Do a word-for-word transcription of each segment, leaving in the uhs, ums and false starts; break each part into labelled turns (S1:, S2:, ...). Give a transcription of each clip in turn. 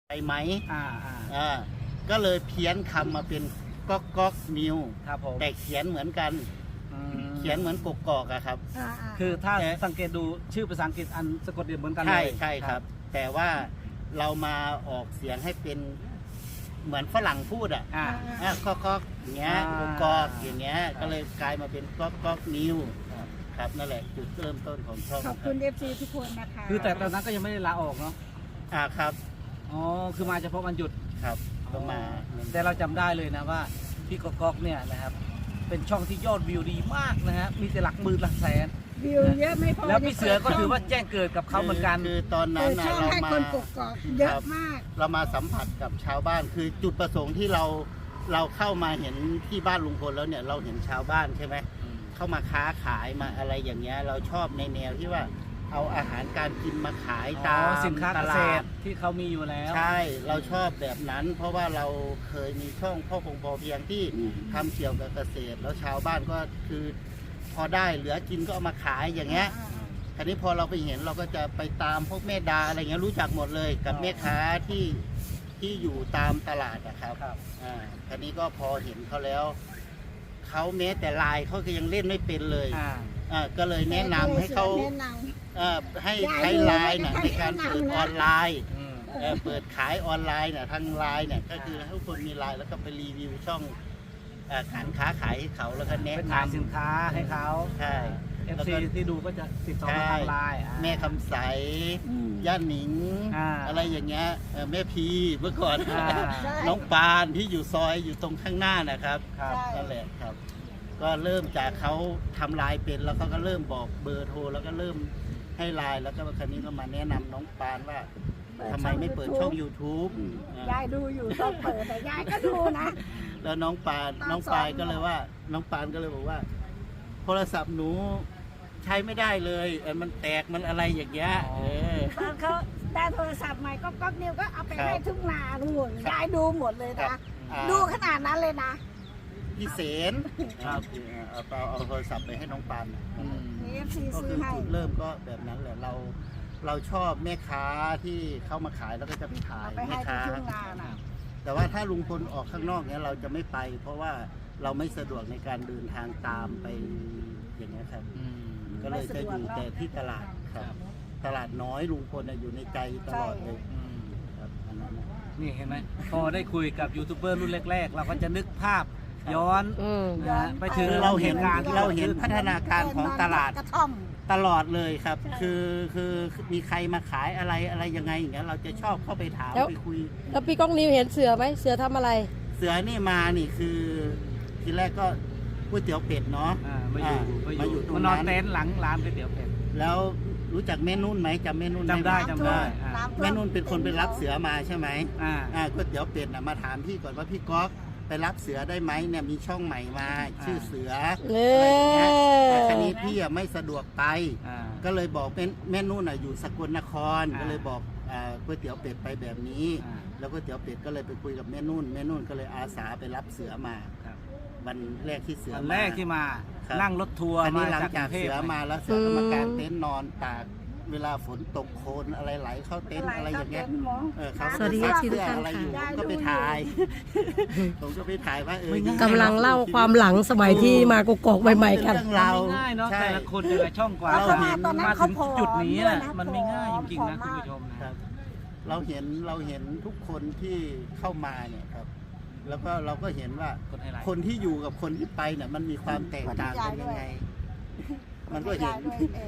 S1: ไปไหม
S2: อ่าอ่า
S1: อ่าก็เลยเพี้ยนคำมาเป็นก๊อกก๊อกนิว
S2: ครับผม
S1: แต่เขียนเหมือนกันเขียนเหมือนกกอกอะครับ
S2: คือถ้าสังเกตดูชื่อภาษาอังกฤษอันสะกดเดียวเหมือนกันเลย
S1: ใช่ใช่ครับ แต่ว่าเรามาออกเสียงให้เป็นเหมือนฝรั่งพูดอ่ะอ่าก๊อกก๊อกอย่างเงี้ยกกอกอย่างเงี้ยก็เลยกลายมาเป็นก๊อกก๊อกนิวครับนั่นแหละจุดเริ่มต้นของช่อง
S3: ขอบคุณเอฟซีทุกคนนะคะ
S2: คือแต่ตอนนั้นก็ยังไม่ได้ลาออกเนาะ
S1: อ่าครับ
S2: อ๋อคือมาเฉพาะวันหยุด
S1: ครับก็มา
S2: แต่เราจำได้เลยนะว่าพี่ก๊อกก๊อกเนี่ยนะครับเป็นช่องที่ยอดวิวดีมากนะฮะมีแต่หลักหมื่นหลักแสน
S3: วิวเยอะไม่พอ
S2: แล้วพี่เสือก็ถือว่าแจ้งเกิดกับเขาเหมือนกัน
S1: คือตอนนั้นนะเรามา
S3: เยอะมาก
S1: เรามาสัมผัสกับชาวบ้านคือจุดประสงค์ที่เราเราเข้ามาเห็นที่บ้านลุงพลแล้วเนี่ยเราเห็นชาวบ้านใช่ไหมเข้ามาค้าขายมาอะไรอย่างเงี้ยเราชอบในแนวที่ว่าเอาอาหารการกินมาขายตาม
S2: สินค้าเกษตรที่เขามีอยู่แล้ว
S1: ใช่เราชอบแบบนั้นเพราะว่าเราเคยมีช่องพ่อคงพอเพียงที่ทำเกี่ยวกับเกษตรแล้วชาวบ้านก็คือพอได้เหลือกินก็เอามาขายอย่างเงี้ยทีนี้พอเราไปเห็นเราก็จะไปตามพวกแม่ดาอะไรเงี้ยรู้จักหมดเลยกับแม่ค้าที่ที่อยู่ตามตลาดนะครับอ่าทีนี้ก็พอเห็นเขาแล้วเขาแม้แต่ไลน์เขาก็ยังเล่นไม่เป็นเลยอ่าก็เลยแนะนำให้เขาให้ใช้ไลน์นะในการเปิดออนไลน์เปิดขายออนไลน์เนี่ยทางไลน์เนี่ยก็คือให้ทุกคนมีไลน์แล้วก็ไปรีวิวช่องการค้าขายให้เขาแล้วก็แนะนำ
S2: สินค้าให้เขา
S1: ใช่
S2: เอฟซีที่ดูก็จะติดต่อทางไลน์
S1: แม่คำใสย่าหนิงอะไรอย่างเงี้ยแม่พีเมื่อก่อนน้องปานที่อยู่ซอยอยู่ตรงข้างหน้านะครับนั่นแหละครับก็เริ่มจากเขาทำไลน์เป็นแล้วเขาก็เริ่มบอกเบอร์โทรแล้วก็เริ่มให้ไลน์แล้วก็ครั้นี้ก็มาแนะนำน้องปานว่าทำไมไม่เปิดช่อง ยูทูบ
S3: ยายดูอยู่ต้องเปิดแต่ยายก็ดูนะ
S1: แล้วน้องปานน้องปานก็เลยว่าน้องปานก็เลยบอกว่าโทรศัพท์หนูใช้ไม่ได้เลยมันแตกมันอะไรอย่างเงี้ย
S3: ตอนเขาได้โทรศัพท์ใหม่ก็ก๊อกนิวก็เอาไปให้ทุกนาดูยายดูหมดเลยนะดูขนาดนั้นเลยนะ
S1: พี่เสนครับเอาเอาโทรศัพท์ไปให้น้องปาน
S3: นี่ซี
S1: ก็
S3: ซื้
S1: คือ
S3: อให้
S1: จุดเริ่มก็แบบนั้นแหละเราเราชอบแม่ค้าที่เข้ามาขายแล้วก็จะไปถ่ายแม่ค้าแต่ว่าถ้าลุงพลออกข้างนอกเนี้ยเราจะไม่ไปเพราะว่าเราไม่สะดวกในการเดินทางตามไปอย่างนี้ครับก็เลยจะอยู่แต่ที่ตลาดครับตลาดน้อยลุงพลอยู่ในใจตลอดเลยครับอันนั้น
S2: นี่เห็นไหมพอได้คุยกับยูทูบเบอร์รุ่นแรกๆเราก็จะนึกภาพย้อนไปถึง
S1: เราเห็นเราเห็นพัฒนาการของตลาดตลอดเลยครับคือคือมีใครมาขายอะไรอะไรยังไงอย่างเงี้ยเราจะชอบเข้าไปถามไปคุย
S4: แล้วพี่ก้องนิวเห็นเสือไหมเสือทำอะไร
S1: เสือนี่มานี่คือทีแรกก็ก๋วยเตี๋ยวเป็ดเนาะ
S2: มาอยู่มาอยู่ตรงนั้นนอนเต็นท์หลังร้านก๋วยเตี๋ยวเป็ด
S1: แล้วรู้จักแม่นุ่นไหมจำแม่นุ่น
S2: จำได้จำได้
S1: แม่นุ่นเป็นคนไปรับเสือมาใช่ไหมอ่าก๋วยเตี๋ยวเป็ดน่ะมาถามพี่ก่อนว่าพี่ก๊อกไปรับเสือได้ไหมเนี่ยมีช่องใหม่มาชื่อเสืออะไรอย่างเงี้ยแต่ครั้นี้พี่ไม่สะดวกไปก็เลยบอกเป็นแม่นุ่นอยู่สกลนครก็เลยบอกก๋วยเตี๋ยวเป็ดไปแบบนี้แล้วก๋วยเตี๋ยวเป็ดก็เลยไปคุยกับแม่นุ่นแม่นุ่นก็เลยอาสาไปรับเสือมาวันแรกที่เสือ
S2: วันแรกที่มานั่งรถทัวร์
S1: มาหลังจากเสือมาแล้วเสือก็มากางเต็นท์นอนตากเวลาฝนตกโคลนอะไรไหลเข้าเต็นท์อะไรอย่างเงี้ยเออเขาซักเสื้ออะไรอยู่ผมก็ไปถ่ายผมก็ไปถ่ายว่าเออก
S4: ำลังเล่าความหลังสมัยที่มากกอกใหม่ๆกัน
S2: เรื่องเราง่ายเนาะแต่ละคนแต่ละช่องกว่าเราเห็นมาถึงจุดนี้นะมันไม่ง่ายจริงๆนะคุณผู้ชม
S1: ครับเราเห็นเราเห็นทุกคนที่เข้ามาเนี่ยครับแล้วก็เราก็เห็นว่าคนที่อยู่กับคนที่ไปเนี่ยมันมีความแตกต่างกันยังไงมันก็เห็น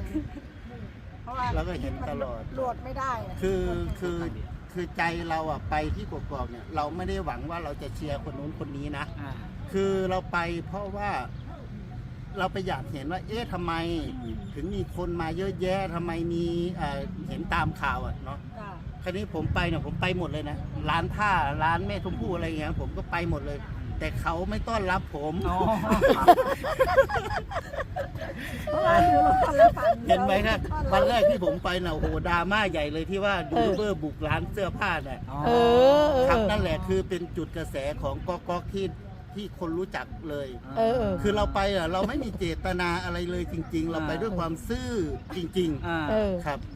S1: เราก็เห็นตลอด
S3: โหลดไม่ได้
S1: คือคือคือใจเราอ่ะไปที่กกอกเนี่ยเราไม่ได้หวังว่าเราจะเชียร์คนนู้นคนนี้นะคือเราไปเพราะว่าเราไปอยากเห็นว่าเอ๊ะทำไมถึงมีคนมาเยอะแยะทำไมมีเห็นตามข่าวอ่ะเนาะคราวนี้ผมไปเนี่ยผมไปหมดเลยนะร้านผ้าร้านแม่ชมพู่อะไรเงี้ยผมก็ไปหมดเลยแต่เขาไม่ต้อนรับผมเห็นไหมครับวันแรกที่ผมไปน่ะโอ้โหดราม่าใหญ่เลยที่ว่ายูทูบเบอร์บุกร้านเสื้อผ้าเนี่ยครับนั่นแหละคือเป็นจุดกระแสของก๊อกก๊อกที่ที่คนรู้จักเลยคือเราไปอ่ะเราไม่มีเจตนาอะไรเลยจริงๆเราไปด้วยความซื่อจริงๆครับพ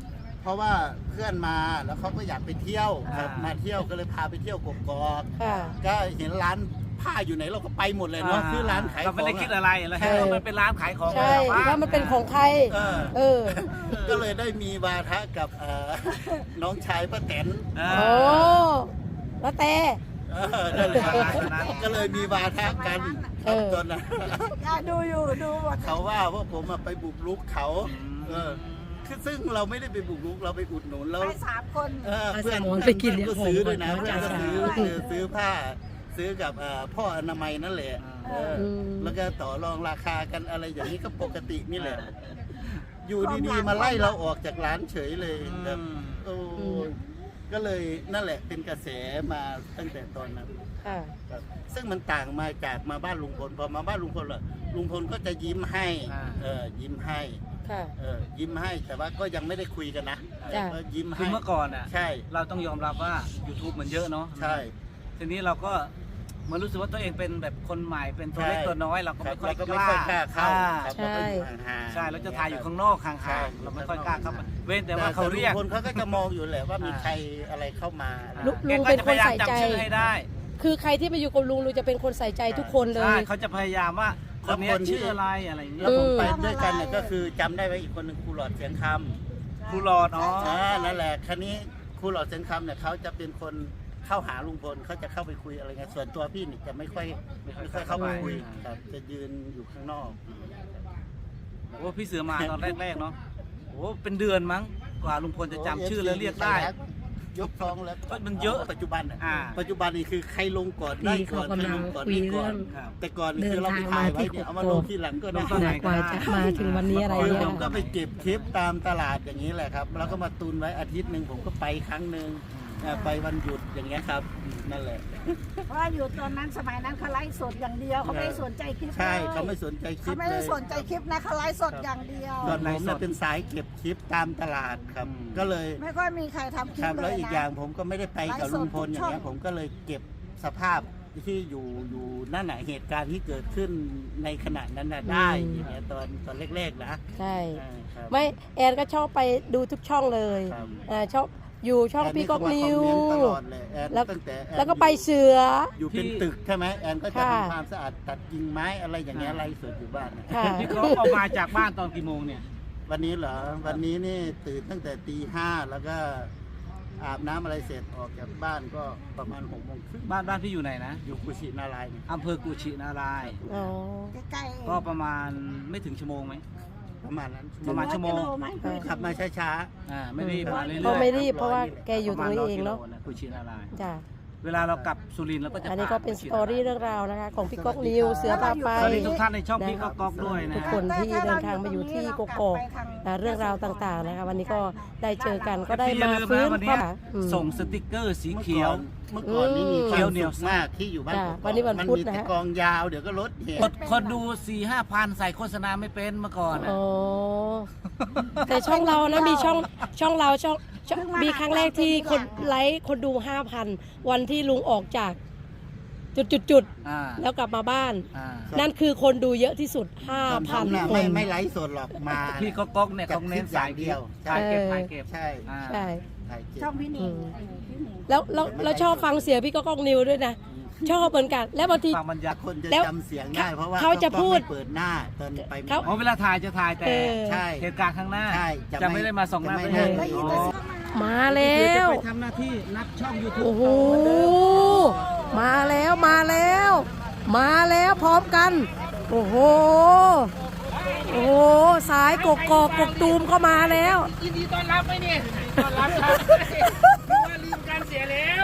S1: เพราะว่าเพื่อนมาแล้วเขาก็อยากไปเที่ยวครับ
S2: อ่าม
S1: มาเที่ยวก็เลยพาไปเที่ยวกกอก
S4: ค่ะ
S1: ก็เห็นร้านผ้าอยู่ไหนเราก็ไปหมดเลยเนาะคือร้านขายข
S2: ก็
S1: อง
S2: ไม่ได้คิดอะไรแล้ว
S4: ใช่
S2: มันเป็นร้านขายของ
S4: ใช่
S2: ของชาวบ้
S4: ว่ามันเป็นของใคร
S1: เออ
S4: เออ
S1: ก็เลยได้มีวาทะกับเอ่อ น้องชายป้าแตน
S2: เอ
S4: โอ้
S2: อ
S4: แล้วแต่
S1: เออนั่นแหละ
S2: ประมาณนั้น
S1: ก็เลยมีวาทะกัน
S4: เออ
S1: ตอนนั้น
S3: อ่ะดูอยู่ดูหมด
S1: เขาว่าว่าผมอะไปบุกรุกเขา เออคือซึ่งเราไม่ได้ไปบุกรุกเราไปอุดหนุนแล้ว
S3: ไปสามคน
S1: เออ
S4: เอา
S1: เพื่อน
S4: สมอนไปกิน
S1: เพื่อนก็ซื้อด้วยนะ
S4: เดี๋
S1: เพื่
S4: ย
S1: อ
S4: วน
S1: ก็ซื้อ
S3: เอา
S1: คือซื้อผ้า ซื้อกับเอ่อพ่ออนามัยนั่นแหละเอออ
S4: ม
S1: แล้วก็ต่อรองราคากันอะไรอย่างนี้ก็ปกตินี่แหละ อยู่ดีๆมาไล่เราออกจากร้านเฉยเลยแบบโอ้ก็เลยนั่นแหละเป็นกระแสมาตั้งแต่ตอนนั้น
S4: ค่ะ
S1: ครับซึ่งมันต่างมาจากมาบ้านลุงพลพอมาบ้านลุงพลล่ะลุงพลก็จะยิ้มให้
S2: อ่า
S1: เออยิ้มให้
S4: ค่ะ
S1: เออยิ้มให้แต่ว่าก็ยังไม่ได้คุยกันนะ
S4: จ้ะ
S1: ก็ยิ้ม
S2: คื
S1: ให้
S2: อเมื่อก่อนอ่ะ
S1: ใช่
S2: เราต้องยอมรับว่า YouTube มันเยอะเนาะ
S1: ใช่
S2: ทีนี้เราก็มันรู้สึกว่าตัวเองเป็นแบบคนใหม่เป็นตัวเล็ก
S1: ใช่
S2: ตัวน้อยเราก็
S1: ครั
S2: ไม่
S1: บ
S2: ค่อย
S1: เราก็ไม่ค่อยกล้าเข้า
S2: อ่
S1: ครับ
S4: ใช่
S1: เราก็อยู่ห่างๆ
S2: ใช่เราจะถ่ายอยู่ข้างนอกห่
S1: ใช่
S2: างๆเราไม่ค่อยกล้าเข้ามาเว้นแต่ว่าเขาเรียก
S1: แต่ลุงพลเขาก็จะมองอยู่แหละว่ามี
S2: อ่า
S1: ใครอะไรเข้ามา
S4: ลุง
S2: แกก็จะพยายามจำชื่อให้ได้
S4: คือใครที่มาอยู่กับลุงลุงจะเป็นคนใส่ใจทุกคนเล
S2: ใช่
S4: ย
S2: เขาจะพยายามว่าคนเนี้ยชื่ออะไรอะไรอย่างเงี้
S1: แล้ว
S2: ย
S1: ผม
S4: อืม
S1: ไปด้วยกันเนี่ยก็คือจำได้ไว้อีกคนหนึ่งครูหลอดเสียงค
S2: ครูหลอดอ๋อ
S1: ำอ่านั่นแหละคันนี้ครูหลอดเสียงคำเนี่ยเขาจะเป็นคนเข้าหาลุงพลเขาจะเข้าไปคุยอะไรเงี้ยส่วนตัวพี่นี่จะไม่ค่อยไม่ค่อยเข้าไปคุยครับจะยืนอยู่ข้างนอก
S2: โอ้พี่เสือมาตอนแรกๆเนาะโอ้เป็นเดือนมั้งกว่าลุงพลจะจำชื่อแล้วเรียกได้
S1: ยกฟ้องแล้ว
S2: เอ้ยมันเยอะ
S1: ปัจจุบันอะ
S2: อ่า
S1: ปัจจุบันนี่คือใครลงก่อนได้
S4: พี่
S1: ก่อน
S4: เขา
S1: ใคร
S4: กำลั
S1: ล
S4: ง
S1: งก่อน
S4: คุย
S1: ได้ก่อน
S4: เรื่อง
S2: ครับ
S1: แต่ก่อนนี่คือเราไปถ่ายไว้เนี่ยเอามาลงทีหลังก็ได้
S2: เดินทางมาที่
S4: กว่าจะมาถึงวันนี้อะไร
S1: คือ
S4: เนี่ย
S1: ผมก็ไปเก็บคลิปตามตลาดอย่างนี้แหละครับ แล้วก็มาตุนไว้อาทิตย์หนึ่งผมก็ไปครั้งหนึ่งอ่าไปวันหยุดอย่างเงี้ยครับนั่นแหละ
S3: เพราะว่าอยู่ตอนนั้นสมัยนั้นเขาไลฟ์สดอย่างเดียวเขาไม่ได้สนใจคลิป
S1: ใช่
S3: ลย
S1: เขาไม่สนใจคลิ
S3: เขา
S1: ป
S3: ไม่
S1: เล
S3: ได้
S1: ย
S3: สนใจคลิปนะเขาไลฟ์สดอย่างเดียว
S1: ตอนผมเนี่ยเป็นสายเก็บคลิปตามตลาดครับ
S2: อืม
S1: ก็เลย
S3: ไม่ค่อยมีใครทำคลิ
S1: ค
S3: ป
S1: รับ
S3: เล
S1: แล้ว
S3: ย
S1: อีก
S3: นะ
S1: อย่างผมก็ไม่ได้ไปกับลุงพลอย่างเงี้ย
S3: ไลฟ์สดทุกช่อง
S1: ผมก็เลยเก็บสภาพที่อยู่อยู่นั่นแหะเหตุการณ์ที่เกิดขึ้นในขณะนั้นน่ะได้
S4: อืม
S1: อย่างเงี้ยตอนตอนแรกๆนะ
S4: ใช่
S1: อ่าครับ
S4: ไม่แอนก็ชอบไปดูทุกช่องเลย
S1: ครับ
S4: อ่าชอบอยู่ช่องพี่ก๊อกนิว
S1: แอนนี่ก็มาคอมเมนต์ตลอดเลยแอน
S4: แล้ว
S1: ตั้งแต่อน
S4: แล้วก็ไปเสือ
S1: อยู่เป็น
S2: ที่
S1: ตึกใช่ไหมแอนก็จะ
S4: ค่ะ
S1: ทำความสะอาดตัดกิ่งไม้อะไรอย่างเงี้ย
S2: อ่า
S1: ไล่สดอยู่บ้านนะ
S4: ค่ะ
S2: พี่เขาออกมาจากบ้านตอนกี่โมงเนี่ย
S1: วันนี้เหรอวันนี้นี่ตื่นตั้งแต่ตีห้าแล้วก็อาบน้ำอะไรเสร็จออกจากบ้านก็ประมาณหกโมงครึ่ง
S2: บ้านบ้านพี่อยู่ไหนนะ
S1: อยู่กุชินารายณ์
S2: อำเภอกุชินารายณ์
S4: อ๋อ
S3: ใกล้ๆ
S2: ก็ประมาณไม่ถึงชั่วโมงไหม
S1: ประมาณนั้น
S2: ประมาณชั่วโมง
S3: ร้อยกิโลไหม
S1: ขับมาช้า
S2: อ่าไม่รีบมาเรื่อยๆ
S4: ก็ไม่รีบเพราะว่าแกอยู่ตรงนี้เองเนาะ
S2: ประมณร้ยกิโลกุชินารายณ์
S4: จ้ะ
S2: เวลาเรากลับสุรินทร์เราก็จะ
S4: อันนี้ก็เป็นสตอรี่เรื่องราวนะคะ ของพี่ก๊อกนิวเสือพาไป
S2: สวัสดีทุกท่านในช่องพี่ก็ก๊อกด้วยนะ
S4: ทุก
S2: ฮะ
S4: คนที่เดินทางมาอยู่ที่กกอกอ่าเรื่องราวต่างๆนะคะ วันนี้ก็ได้เจอกันก็ได้
S2: พี่อย่
S4: มา
S2: ลื
S4: ฟื้น
S2: นะวัน
S4: ค
S2: นี้
S4: วามอืม
S2: ส่งสติกเกอร์สี
S1: ๆ
S2: เขียว
S1: เมื่อก่อนนี่มีค
S2: เขี
S1: วาย
S2: ว
S1: ม
S2: เหนี
S1: สุ
S2: ยว
S1: ขมากที่อยู่บ้าน
S4: จ้ะ
S1: กกอก
S4: วันนี้วัน
S1: มัน
S4: พุธ
S1: มี
S4: นะ
S1: แต่
S4: ฮะ
S1: กองยาวเดี๋ยวก็รถเหตุ
S2: คนคนดูสี่ห้าพันใส่โฆษณาไม่เป็นเมื่อก่อนอะ
S4: อ๋อแต่ช่องเรานะมีช่องช่องเราช่องช่องมีครั้งแรกที่คนไลค์คนดูห้าพันวันที่ลุงออกจากจุดจุดจุดๆ
S2: อ่า
S4: ๆแล้วกลับมาบ้าน
S2: อ่า
S4: นั่นคือคนดูเยอะที่สุด ห้า
S1: ตอน
S4: พัน
S1: ทำน่ะ
S4: ค
S1: ไม่
S4: น
S1: ไม่ไลฟ์สดหรอกมา
S2: พี่ก็ก๊อกเนี่ยเขาเน้นสายเดียวถ่ายเก็บถ่ายเก็บ
S1: ใช่
S2: อ่า
S4: ใช่
S1: ถ่ายเก็บ
S3: ช่องพี่หนิง
S4: อืม
S3: เออพี่หนิง
S4: แล้วแล้วแล้วชอบฟังเสียงพี่ก็ก้องนิวด้วยนะ ชอบเหมือนกัน แล้วบางที
S2: ฟังบรรยากาศ
S1: คนจะ
S4: แล้ว
S1: จำเสียงได้เพราะว่า
S4: เขาจะพูด
S1: ไม่เปิดหน้าตอนไป
S4: เขา
S2: อ๋อเวลาถ่ายจะถ่ายแต่
S4: เออ
S1: ใช่
S2: เหตุการณ์ข้างหน้า
S1: ใช่จะ
S2: จะ
S1: ไม่
S2: ไม่ได้มาส่องหน้า
S1: จะไม่
S2: ไป
S1: ได้
S2: ให้
S3: ได้ยิน
S2: อ๋
S3: แต่
S2: อ
S3: เสียงมา
S4: มาแล้
S2: คือจะ
S4: ว
S2: ไปทำหน้าที่นับช่อง YouTube
S4: โอ้โห
S2: ต่อเหมือนเดิม
S4: มาแล้วมาแล้ว มาแล้วพร้อมกัน โอ้โห โอ้โห สายกกอกกกตูมก็มาแล้ว
S2: ยินดีต้อนรับไหมเนี่ยต้อนรับครับว่าลืมการเสียแล้ว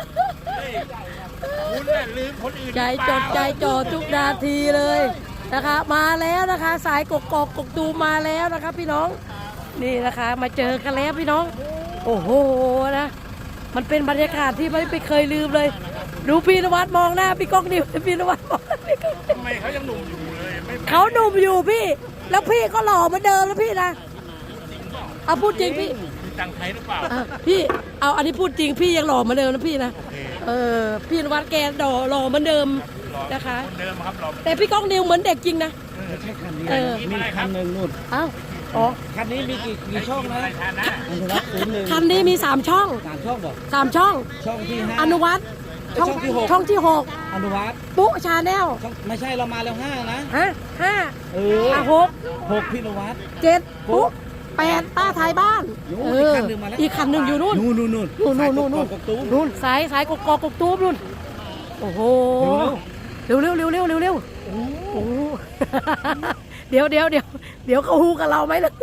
S2: คุณน่ะลืมคนอื่น
S4: ใจจดใจจ่อทุกนาทีเลยนะคะ มาแล้วนะคะ สายกกอกกกตูมมาแล้วนะคะพี่น้อง นี่นะคะ มาเจอกันแล้วพี่น้อง โอ้โหนะ มันเป็นบรรยากาศที่ไม่ไม่เคยลืมเลย ดูพี่นวัดมองหน้าพี่ก้องนิวพี่นวัดมองหน้าพี่ก้องนิว
S2: ทำไมเขายังหนุ่มอยู่เลยไม่
S4: เขาหนุ่มอยู่พี่ แล้วพี่ก็หล่อเหมือนเดิมแล้วพี่นะเอาพูดจริงพี่
S2: มีตังค์ไทยหรือเปล่า
S4: อ่ะพี่เอาอันนี้พูดจริงพี่ยังหล่อเหมือนเดิมนะพี่นะเออพี่นวัดแกหล่อหล่อเหมือนเดิมนะคะ
S2: เดิมครับเรา
S4: แต่พี่ก้องนิวเหมือนเด็กจริงนะ
S2: ใช่คันนี้
S4: เออ
S2: มีคันหนึ่งนู่น
S4: เอ้าอ๋อ
S2: คันนี้มีกี่กี่ช่องนะอนุวัฒน์ศูนย์หนึ่ง
S4: คันนี้มีสามช่อง
S2: สามช่องบอก
S4: สามช่อง
S2: ช่องที่ห้า
S4: อนุวัฒน์ช่อง
S2: ช่องที่หก
S4: ช่องที่หก
S2: อนุวัฒน์
S4: ปุ๊ชาแนล
S2: ช่องไม่ใช่เรามาแล้วห้านะ
S4: ฮะห้า
S2: เออ
S4: อ่ะหก
S2: หกพี่อนุวัฒน์
S4: เจ็ดปุ๊แปดป้าท้ายบ้าน
S2: โอ้
S4: เอ
S2: อีก
S4: อ
S2: คันหนึ่งมาแล้ว
S4: อีกคันหนึ่งอยู่นู่น
S2: นู่นนู่นนู่น
S4: นู่นนู่นนู่นนู่น
S2: สายกบกบตูม
S4: นู่นสายสายกกอกกกตูมนู่นโอ้โหเร็วเร็วเร็วเร็วเร็วเร็วโอ้โห เดี๋ยวเดี๋ยวเดี๋ยวเดี๋ยวเขาฮูกับเราไหมล่ะ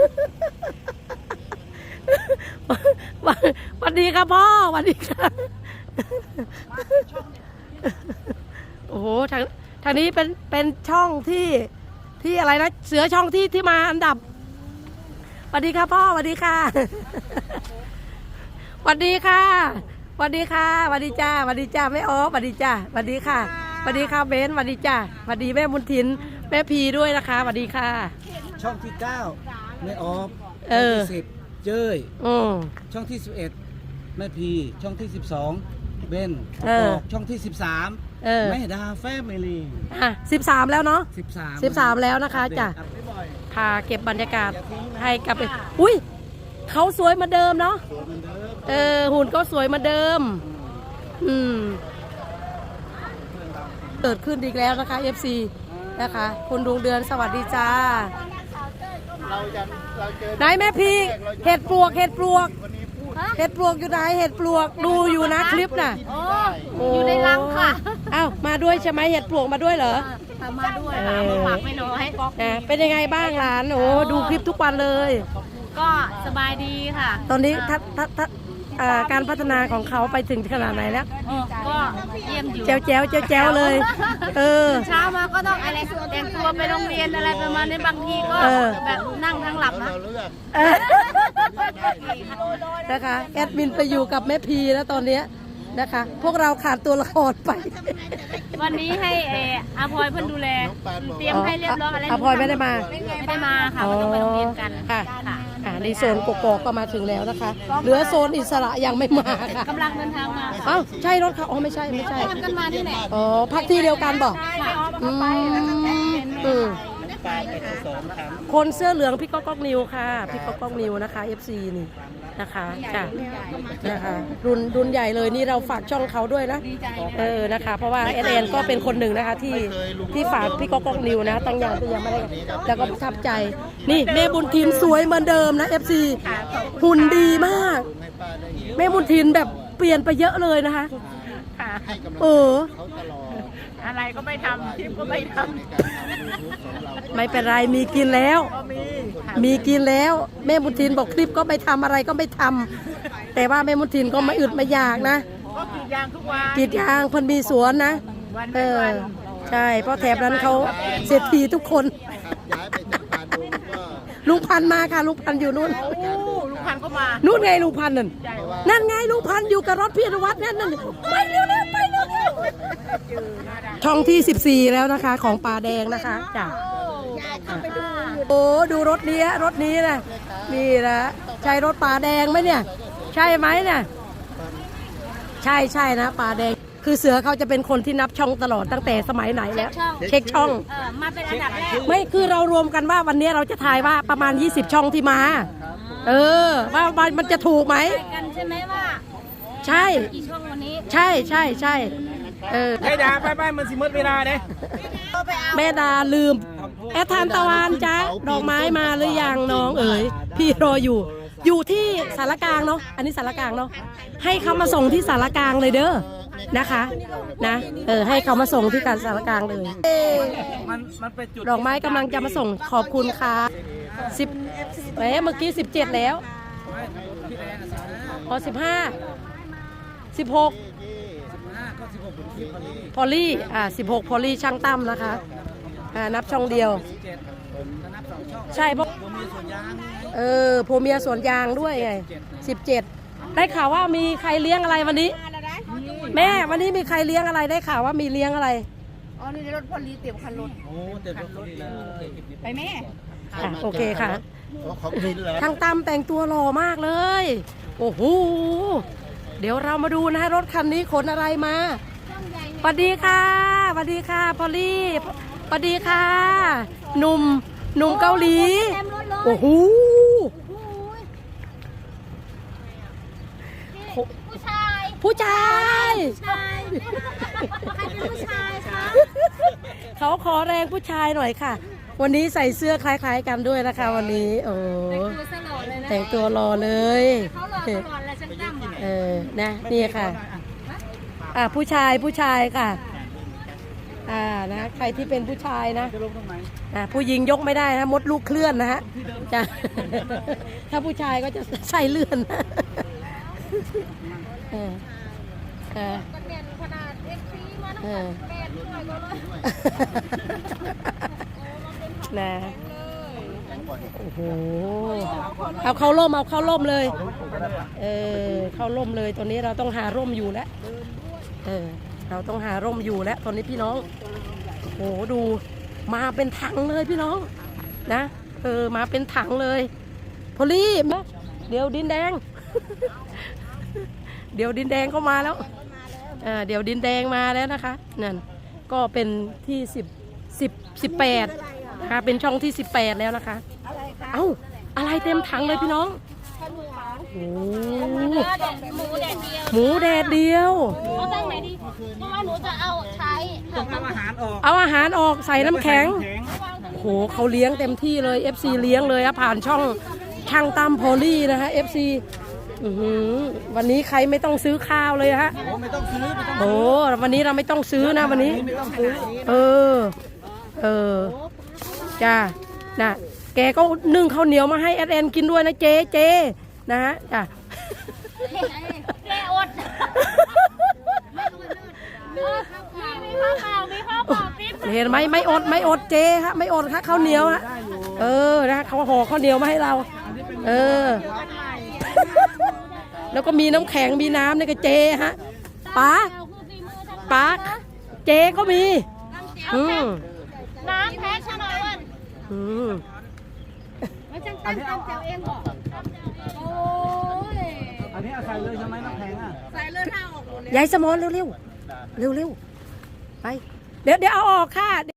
S4: สวัสดีครับพ่อสวัสดีครับ โอ้โหทางทางนี้เป็นเป็นช่องที่ที่อะไรนะเสือช่องที่ที่มาอันดับสวัสดีค่ะพ่อสวัสดีค่ะ สวัสดีค่ะสวัสดีค่ะสวัสดีจ้าสวัสดีจ้าแม่ออฟสวัสดีจ้าสวัสดีค่ะสวัสดีค่ะเบนสวัสดีจ้าสวัสดีแม่บุญถินแม่พีด้วยนะคะสวัสดีค่ะ
S2: ช่องที่เก้าแม่ออฟ
S4: เอ
S2: ช่อง
S4: อ
S2: ที่สิบเจ้ย
S4: อืม
S2: ช่องที่สิบเอ็ดแม่พีช่องที่สิบสองเบน
S4: เออ
S2: ช่องที่สิบสาม
S4: เออ
S2: แม่ดาแฟมิลี่
S4: อ่ะสิบสามแล้วเนาะ
S2: สิบสาม
S4: สิบสามแล้วนะคะจ้ะ
S2: อัปเดตบ่อย
S4: พาเก็บบรรยากาศให้กับไปอุ้ยเขาสวยเหมาเดิมเนาะเออหุ่นก็สวยเหมาเดิม อืมเกิดขึ้นอีกแล้วนะคะ เอฟ ซี นะคะคุณดวงเดือนสวัสดีจ้า
S1: เราจะเราเจอ
S4: ไหนแม่พีเห็ดปลวกเห็ดปลวกเห็ดปลวกอยู่ไหนเห็ดปลวกดูอยู่นะคลิปน่ะ
S3: โอ้อยู่ในรังค่ะ
S4: อ้าวมาด้วยใช่ไหมเห็ดปลวกมาด้วยเหรอ
S3: มาด้วยค่ะมาฝากไม่น้อย
S4: อ่ะเป็นยังไงบ้างหลานโอ้ดูคลิปทุกวันเลย
S3: ก็สบายดีค่ะ
S4: ตอนนี้ทัศทัศทัศอ่าการพัฒนาของเขาไปถึงขนาดไหนแล้ว
S3: ก็เยี่ยมอยู่
S4: แจ๋วแจ๋วแจ๋วแจ๋วเลย เออ
S3: เช้ามาก็ต้องอะไรแต่งตัวไปโรงเรียนอะไรประมาณนี้บางทีก็
S4: เออ
S3: แบบนั่งทั้งหลับนะ
S1: เราเลือก
S4: เออนะคะแอดมินไปอยู่กับแม่พีแล้วตอนเนี้ยนะคะ พวกเราขาดตัวละครไป
S3: วันนี้ให้เอออาพลอยเพิ่นดูแล เตรียมให้เรียบร้อยอะไร
S4: อาพลอยไม่ได้มา
S3: ไม่ได้มาค่ะมันต้องไปโรงเรียนกัน
S4: ค่ะ
S3: ค่ะ
S4: อ่าในโซนกกอกก็มาถึงแล้วนะคะ เหลือโซนอิสระยังไม่มาค่ะ
S3: กำลังเดินทางมา
S4: เอ้าใช่รถเขาอ๋อไม่ใช่ไม่ใช่
S3: ทำกันมาที่ไหน
S4: อ๋อพักที่เดียวกันบอก
S3: ค่ะ
S4: อืมอืม
S1: ปลาเป็นสองครั้ง
S4: คนเสื้อเหลืองพี่ก๊อกก๊อกนิวค่ะพี่ก๊อกก๊อกนิวนะคะ เอฟ ซี นี่นะคะจ้ะนะคะรุ่นรุ่นใหญ่เลยนี่เราฝากช่องเขาด้วยนะเออนะคะ เพราะว่าเอเอ็นก็เป็นคนหนึ่งนะคะที่ที่ฝากพี่ก๊อกก๊อกนิวนะตั้งอย่างที่ยังไม่ได้แล้วก็ประทับใจ นี่แม่บุญทินสวยเหมือนเดิมนะ เอฟ ซี หุ่นดีมาก
S1: ให้ป้าได้เห็น
S4: แม่บุญทินแบบเปลี่ยนไปเยอะเลยนะคะ
S1: ให้กำลัง
S4: เออ
S1: เขาตลอด
S3: อะไรก็ไม่ทำคลิปก็ไม่ท
S1: ในการทำยูทูบของเรา
S4: ไม่เป็นไรมีกินแล้ว มีกินแล้ว แม่บุญทินบอกคลิปก็ไม่ทำอะไรก็ไม่ทำแต่ว่าแม่บุญทินก็ไม่อึดไม่อยากนะ
S3: ำก็กรีดยางทุกวัน
S4: กรีดยางเพิ่นมีสวนนะเออใช่เพราะแถบนั้นเขาเศรษฐีทุกคน
S1: ย้ายไปทำการดูก็
S4: ลุงพันธุ์มาค่ะลุงพันธุ์อยู่นู่น
S3: ลุงพันธุ์ก็มา
S4: นู่นไงลุงพันธุ์นั่นนั่นไงลุงพันธุ์อยู่กับรถพี่อนุวัฒน์นั่นนั่นไปเร็วๆไปเร็วๆช่องที่สิบสี่แล้วนะคะของป่าแดงนะคะจ้ะโอ้ดูรถนี้รถนี้นะนี่นะใช่รถป่าแดงไหมเนี่ย ใช่ไหมเนี่ยใช่ใช่นะป่าแดงคือเสือเขาจะเป็นคนที่นับช่องตลอดตั้งแต่สมัยไหนแล้ว เช็คช่อง
S3: เออมาเป็นอันดับแรก
S4: ไม่คือเรารวมกันว่าวันนี้เราจะทายว่าประมาณยี่สิบช่องที่มา เออว่าว่ามันจะถูกไหม
S3: กันใช่ไหมว่า
S4: ใช่
S3: กี่ช่องวันนี้
S4: ใช่ใช่ใช่เออ
S2: ไอ้ดาไปไปมันสิหมดเวลาเด้
S4: แม่ดาลืม แอดทานตะวันจ้าดอกไม้มาหรือยังน้องเอ๋ยพี่รออยู่ อยู่ที่สารกลางเนาะอันนี้สารกลางเนาะให้เขามาส่งที่สารกลางเลยเด้อนะคะนะเออให้เขามาส่งที่การสารกลางเลย
S2: มันมันเป็นจุด
S4: ดอกไม้กำลังจะมาส่งขอบคุณค่ะสิบแหมเมื่อกี้สิบเจ็ดแล้วพอสิบห้าสิบหก
S2: ห้าก็สิบหกเป็นคลิปพอดี
S4: พอลลี่อ่าสิบหกพอลลี่ช่างตั้มนะคะอ่านับช่องเดียว
S2: เจ็ดถ้านับสองช่อง
S4: ใช่เพราะ
S2: ผมมีส่วนยางนี่ไง
S4: เออผัวเมียสวนยางด้วยไงสิบเจ็ดได้ข่าวว่ามีใครเลี้ยงอะไรวันนี้ แม่วันนี้มีใครเลี้ยงอะไรได้ข่าวว่ามีเลี้ยงอะไร
S3: อ๋อนี่รถพอลีเต็มคันรถ
S2: โอ้เต็มรถเลย
S3: ไปแม่
S4: ค่ะโอเคค่ะ
S1: ของกินเหรอ
S4: ช่างตั้มแต่งตัวหล่อมากเลย โอ้โหเดี๋ยวเรามาดูนะรถคันนี้ขนอะไรมาสวัสดีค่ะสวัสดีค่ะพอลลี่สวัสดีค่ะหนุ่มหนุ่มเกาหลี
S3: เต็มรถเลย
S4: โอ้โห
S3: โอ้ยผู้ชาย
S4: ผู้ชาย
S3: ชายใครเป็นผู้ชายคะ
S4: เขาขอแรงผู้ชายหน่อยค่ะ วันนี้ใส่เสื้อคล้ายๆกันด้วยนะคะ วันนี้ โอ้
S3: ดูสลอดเลยนะ
S4: แต่งตัวรอเลย
S3: เขารอตลอดเลยฉันจำอ่ะ
S4: เออ นะ นี่ค่ะ อ่าผู้ชายผู้ชายค่ะ อ่า นะ ใครที่เป็นผู้ชายนะ
S2: จะลงตรงไหน
S4: อ่า ผู้หญิงยกไม่ได้นะ มดลูกเคลื่อนนะฮะจ้ะ ถ้าผู้ชายก็จะใส่เลื่อนนะเออเออ
S3: ก็เนียนขนาดเอฟซีมา
S4: เอ
S3: ทั้ง
S4: อ
S3: แปดด้วยก็เลย
S4: นะ โอ้โห เอาเข้าร่ม เอาเข้าร่มเลย เออ เข้าร่มเลย ตอนนี้เราต้องหาร่มอยู่แล้ว เออ เราต้องหาร่มอยู่แล้ว ตอนนี้พี่น้อง โอ้โห ดู มาเป็นถังเลยพี่น้อง นะ เออ มาเป็นถังเลยพอลลี่มาเดี๋ยวดินแดง เดี๋ยวดินแดงเข้ามาแล้วเออเดี๋ยวดินแดงมาแล้วนะคะ นั่น ก็เป็นที่สิบ สิบ สิบแปดนะคะ เป็นช่องที่สิบแปดแล้วนะคะ
S3: อะไรคะ
S4: เอ้า อะไรเต็มถังเลยพี่น้อง
S3: ข้าวเหนียว
S4: โอ้
S3: หมูแดดเดียว
S4: หมูแดดเดียว
S3: เอาตั้งไหนดีเพราะว่าหนูจะเอาใช้
S2: ต้องเอาอาหารออก
S4: เอาอาหารออกใส่น้ำแข็ง
S2: แข็ง
S4: โอ้โหเขาเลี้ยงเต็มที่เลย เอฟ ซี เลี้ยงเลยอะผ่านช่องช่างตามโพลี่นะคะ เอฟ ซี อื้อหือวันนี้ใครไม่ต้องซื้อข้าวเลยฮะ
S2: โอ้ไม่ต้องซื้อไม่ต้อง
S4: โอ้วันนี้เราไม่ต้องซื้อนะวันนี้
S2: ไม่ต้องซื้อ
S4: เออ เออ จ้าน่ะ แกก็นึ่งข้าวเหนียวมาให้แอดแอนกินด้วยนะเจเจนะฮะ จ้า
S3: แกอดมีข้าวเปล่ามีข้าวเปล่าปิ๊บ
S4: เห็นไหมไม่อดไม่อดเจฮะไม่อดค่ะข้าวเหนียวฮะเออนะเขาห่อข้าวเหนียวมาให้เรา เออ แล้วก็มีน้ำแข็งมีน้ำนี่ก็เจฮะป๋าป๋าเจก็มีอืม
S3: น้ำแพ้ชะนอยวัน
S4: อืม
S3: ไม่จังตั้งตั้งแจวเองเหรอโอ้ย
S2: อันนี้เอาใส่เลยใช่ไหมน้ำแข็งอ่ะ
S3: ใส่เลือดห้าออกหมดเลย
S4: ยายสมอนเร็วเร็วเร็วเร็วๆไป เดี๋ยวเดี๋ยวเอาออกค่ะ